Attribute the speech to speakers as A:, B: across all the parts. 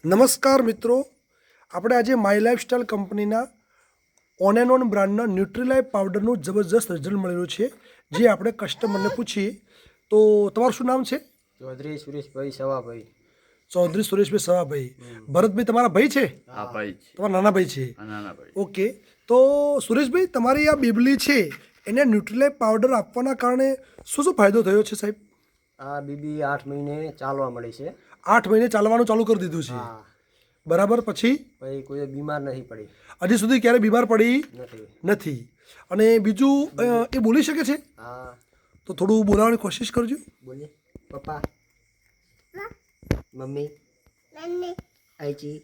A: નમસ્કાર મિત્રો, આપણે આજે માય લાઈફસ્ટાઈલ કંપનીના ઓન એન્ડ ઓન બ્રાન્ડના ન્યુટ્રીલાઈફ પાવડરનું જબરજસ્ત રિઝલ્ટ મળેલું છે, જે આપણે કસ્ટમરને પૂછીએ. તો તમારું શું નામ છે?
B: ચૌધરી સુરેશભાઈ સવાભાઈ.
A: ચૌધરી સુરેશભાઈ સવાભાઈ. ભરતભાઈ તમારા ભાઈ છે?
C: હા ભાઈ છે.
A: તમારા નાના ભાઈ છે?
C: નાના ભાઈ.
A: ઓકે, તો સુરેશભાઈ તમારી આ બેબલી છે એને ન્યુટ્રીલાઈફ પાવડર આપવાના કારણે શું શું ફાયદો થયો છે સાહેબ?
B: આ બીબી 8 મહિને ચાલવા મળી છે.
A: 8 મહિને ચાલવાનું ચાલુ કરી દીધું છે.
B: હા,
A: બરાબર. પછી
B: પછી કોઈ બીમાર નહીં પડી.
A: હજી સુધી ક્યારે બીમાર પડી
B: નથી.
A: નથી. અને બીજું એ બોલી શકે છે?
B: હા,
A: તો થોડું બોલાવવાની કોશિશ કરજો.
B: બોલીએ. પપ્પા, મમ્મી, આઈજી,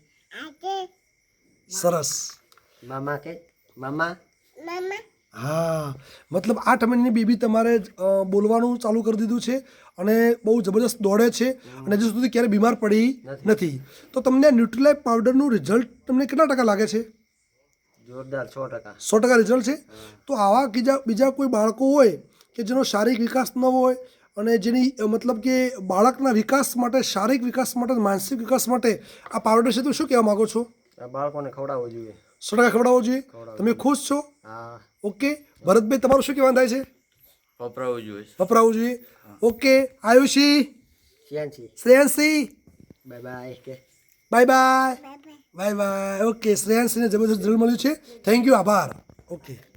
A: સરસ.
B: મામા કે મામા.
A: હા, મતલબ 8 મહિનાની બેબી તમારે બોલવાનું ચાલુ કરી દીધું છે અને બહુ જબરદસ્ત દોડે છે અને હજી સુધી ક્યારે બીમાર પડી નથી. તો તમને ન્યુટ્રીલાઈફ પાવડરનું રિઝલ્ટ તમને કેટલા ટકા લાગે છે?
B: જોરદાર 100%.
A: 100% રિઝલ્ટ છે. તો આવા બીજા કોઈ બાળકો હોય કે જેનો શારીરિક વિકાસ ન હોય અને જેની મતલબ કે બાળકના વિકાસ માટે, શારીરિક વિકાસ માટે, માનસિક વિકાસ માટે આ પાવડર છે, તો શું કહેવા માગો છો?
B: આ બાળકોને ખવડાવવું જોઈએ.
A: 100% ખવડાવવો જોઈએ. તમે ખુશ છો?
B: હા.
A: ઓકે. ભરતભાઈ તમારું શું કહેવાનું થાય છે?
C: વપરાવું જોઈએ.
A: વપરાવું જોઈએ. Okay. Ayushi,
B: Shyanshi,
A: Shreyanshi,
B: bye bye કે
A: bye bye. Bye bye. Okay, શ્રેયાંશીને જબરદસ્ત રિઝલ્ટ મળ્યું છે. થેન્ક યુ, આભાર. ઓકે.